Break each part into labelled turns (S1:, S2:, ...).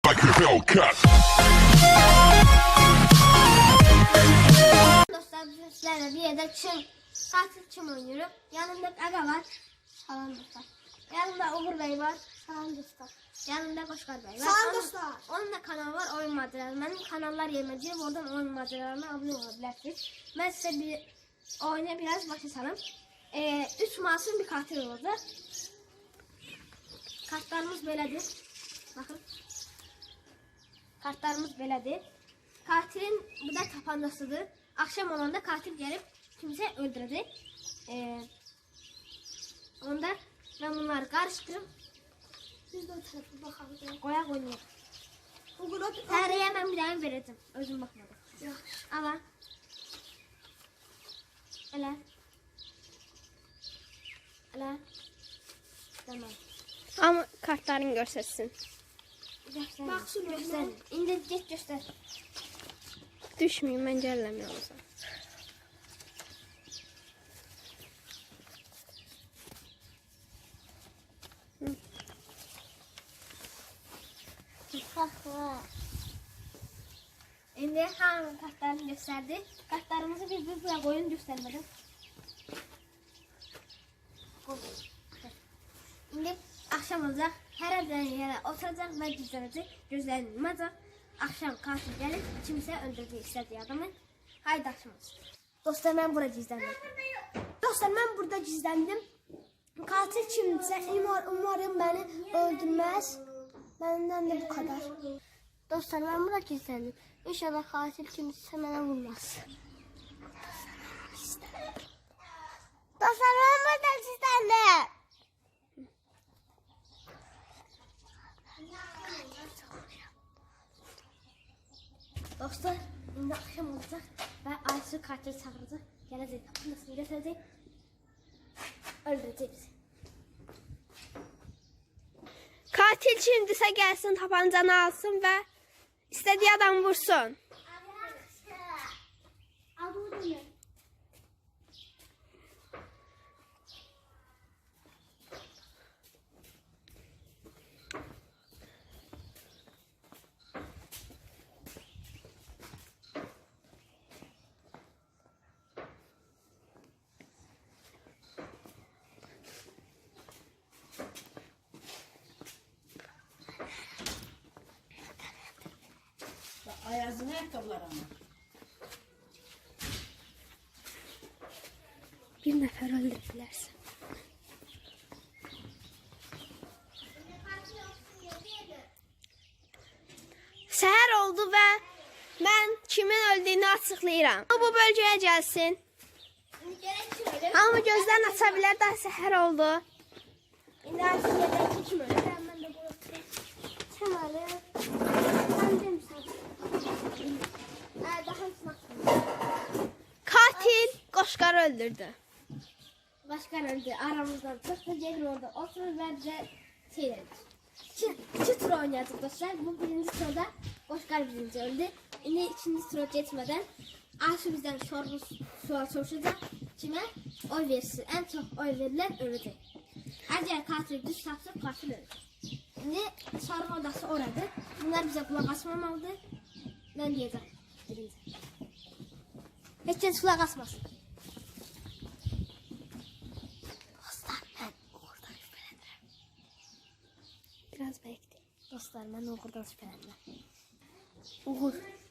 S1: like a Hellcat.
S2: Dostlar bugün sizlerle bir yerde katil çim oynuyorum. Yanımda Aga var. Salam dostlar. Yanımda Uğur Bey var. Salam dostlar. Yanımda Koşkar Bey var.
S3: Salam dostlar.
S2: Onun da kanalı var, oyun maceraları. Benim kanallar yerine girip oradan oyun maceralarına abone olabilirsiniz. Ben size bir oyuna biraz başlayalım. 3 masum bir katil oldu. Kartlarımız böyledir. Bakın. Kartlarımız böyledir. Katilin bu da tapancasıdır. Akşam olanda katil gelip kimse öldürecek. Onda ben bunları karıştırıp
S3: Biz de o tarafa bakalım.
S2: koyak oynayalım.
S3: Bugün o
S2: Tarihe ben bir daha vereceğim. Özüm bakmadım. Ama öyle. Öyle. Tamam.
S4: Ama kartlarını göstersin.
S2: Göster.
S3: Bak şunu
S2: Göster. İndir geç göster.
S4: Düşmeyeyim, bence ellemiyor o zaman.
S2: Şimdi hangi kartlarını gösterdi? Kartlarımızı biz buraya koyun göstermedim. Şimdi akşam olacak. Her evden yere oturacak ve gizlenecek. Gözlerini yumacak. Akşam katil gelip kimse öldürecek istediği adamı. Haydi akşam olsun. Dostlar ben burada gizlendim.
S3: Dostlar ben burada gizlendim. Katil kimse umarım beni öldürmez. Benden de bu kadar.
S2: Dostlar ben burada gizlendim. İnşallah katil kimse bana vurmaz.
S3: Dostlar ben burada gizlendim.
S2: Dostlar şimdi akşam olacak ve Aysu katil çağıracak. Gelecek kapısını götürecek. Öldürecek bizi.
S4: Katil şimdise gelsin, tapancanı alsın ve istediği adam vursun.
S5: Ayazın ayakkabılar ama.
S4: Bir nefer öldürdülerse. Seher oldu ve ben kimin öldüğünü açıklayıram. Bu bölgeye gelsin. Ama gözlerini açabilir, daha seher oldu.
S2: Şimdi Aysu yerden kim öldü? Ben de bu sen öyle. Ben de misafir. Daha ısmak.
S4: Katil Koşkar'ı öldürdü.
S2: Başkan öldü. Aramızdan çıktı. Gelin orada oturur ve bize seyredin. İki tur oynayacak dostlar. Bu birinci turda Başkan birinci öldü. Şimdi ikinci tura geçmeden Aysu bizden sual soruşacak. Kime oy verirsin? En çok oy verilen ölecek. Eğer katil düz tapsa katil ölecek. Şimdi soru odası orada. Bunlar bize kulak asmamalıdır. Ben diyeceğim. Birinci. Hiç kimse kulak asmasın. Dostlar ben Uğur'dan şüphelenirim.
S4: Biraz bekle.
S2: Dostlar ben Uğur'dan şüphelenirim.
S4: Uğur.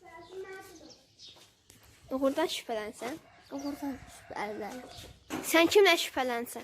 S4: Uğur'dan şüphelensen.
S2: Uğur'dan şüphelenirim.
S4: Sen kimle şüphelensen?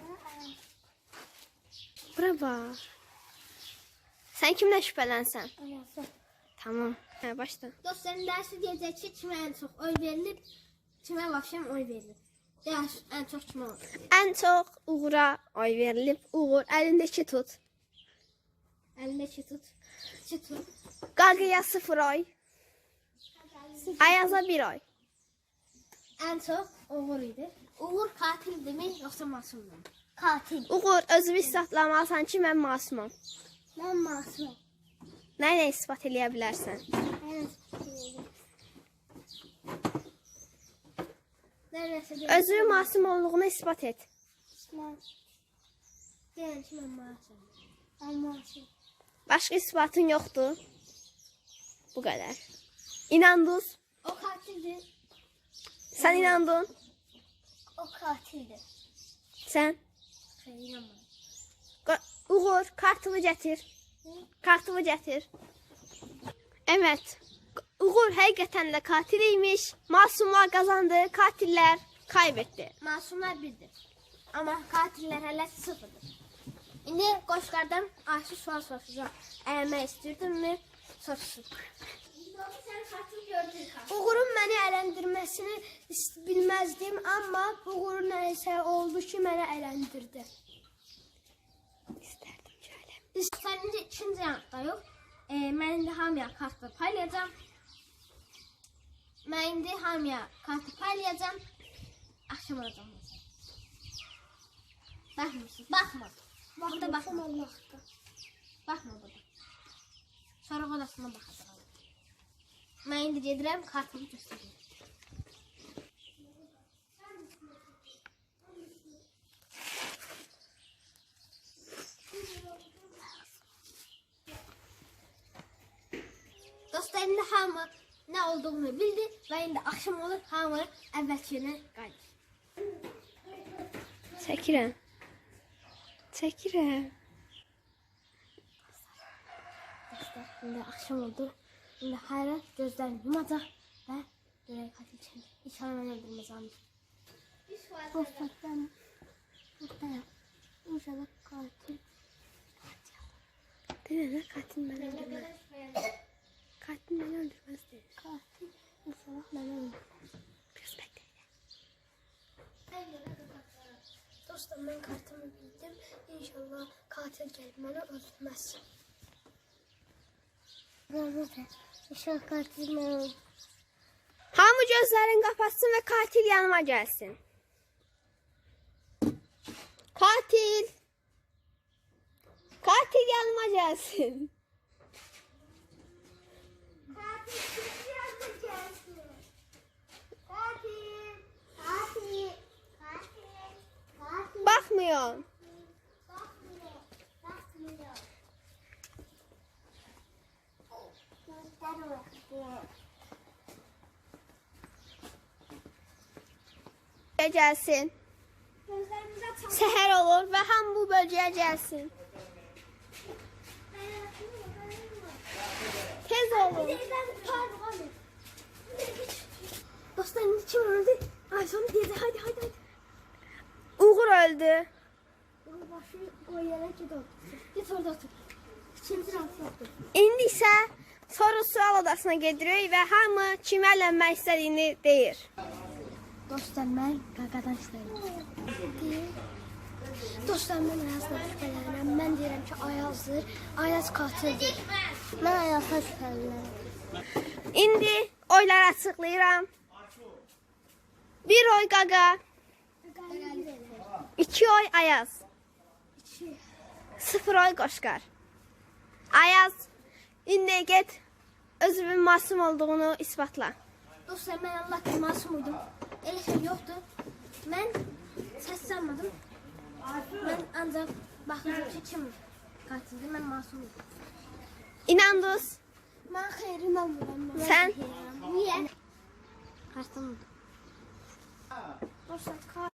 S4: Bura bak. Sen kimle şüphelensen? Tamam. Ha, başla.
S2: Dostların dersi diyecek ki kime en çok oy verilip kime vahşem oy verilir. Ders en çok kime oy verilir.
S4: En çok Uğur'a oy verilip Uğur elindeki tut.
S2: Elindeki tut. Çıtır.
S4: Gagı'ya 0 oy. Ayaz'a 1 oy.
S2: En çok Uğur idi. Uğur katil değil mi yoksa masum mu? Katil.
S4: Uğur özünü ispatlamalısan ki mən masumam.
S2: Ben masum.
S4: Nə ispat eləyə bilərsən? Özünün masum olduğunu ispat et.
S2: Diyelim ki ben masum. Ben masum.
S4: Başqa isbatın yoxdur. Bu kadar. İnandınız.
S2: O katildi.
S4: Sen inandın.
S2: O katildi.
S4: Sen.
S2: Hayır inanmadım.
S4: Uğur kartımı getir. Kartımı getir. Evet. Uğur hakikaten de katiliymiş. Masumlar kazandı. Katiller kaybetti.
S2: Masumlar birdir. Ama katiller hele sıfırdır. Şimdi Qoşqardan Ayşe sual soruşacağım. Əlmək istəyirdinmi? Soruşsun. Sen katil gördün.
S3: Uğurun məni ələndirməsini bilməzdim, amma Uğurun nəsə oldu ki, məni ələndirdi.
S4: İsterdim şöyle.
S2: Sənin də ikinci yanıqda yox. Mən indi hamıya kartı paylayacağım. Mən indi hamıya kartı paylayacağım. Akşam olacağım. Baxmırsın. Baxma. Burada baxma.
S3: Allah'ta.
S2: Baxma burada. Sonra odasına baxacağım. Mən indi gedirəm, kartımı göstərəcəm. Dostlar, indi hamı nə olduğunu bildi və indi axşam olur, hamı əvvəlki yerinə qayıdır.
S4: Çekirəm. Çekirəm.
S2: Dostlar, indi axşam oldu. İndi Hayra gözlərini yumacaq və görək katil kimi. İnşallah mən öldürməzəm.
S3: Dostlar, ben buradayım. İnşallah katil.
S4: Değil mi? Katil beni öldürmez. Katil beni öldürmez değil.
S3: Katil inşallah beni öldürmez.
S4: Biraz bekleyin.
S3: Dostlar, ben kartımı bildim. İnşallah katil gelip beni öldürmez. İnşallah katil beni öldürmez.
S4: Hamı gözlerini kapatsın ve katil yanıma gelsin. Katil. Katil yanıma gelsin. Bakmıyor. Gelsin. Seher olur ve ham bu bölgeye gelsin. Tez olun.
S2: Dostlar, indi kim öldü? Ayşe dedi, hadi.
S4: Uğur öldü.
S2: Başı o yere gidiyor. Git orada otur. İkinci rantı otur.
S4: İndi isə soru-sual odasına gedirik və hamı kimə ələnmək istədiyini deyir.
S2: Dostlar, mən qaqadan istəyirəm.
S3: Dostlar, ben Ayaz'dan şüphelenirim. Ben diyelim ki Ayaz'dır. Ayaz katildir. Ben Ayaz'dan şüphelenirim.
S4: İndi oyları açıqlayıram. 1 oy Qaqa, 2 oy Ayaz, 0 oy Qoşqar. Ayaz, indi get özünün masum olduğunu isbatla.
S2: Dostlar, mən Allah ki masum uydum. Elə şey yoxdur. Mən səslənmədim. Mən ancaq baxırdım ki kim qatildir. Mən masum uydum.
S4: İnandınız?
S3: Ben xeyrin olmuram.
S4: Sən?
S2: Niyə? Qartım uydum.
S3: Dostlar,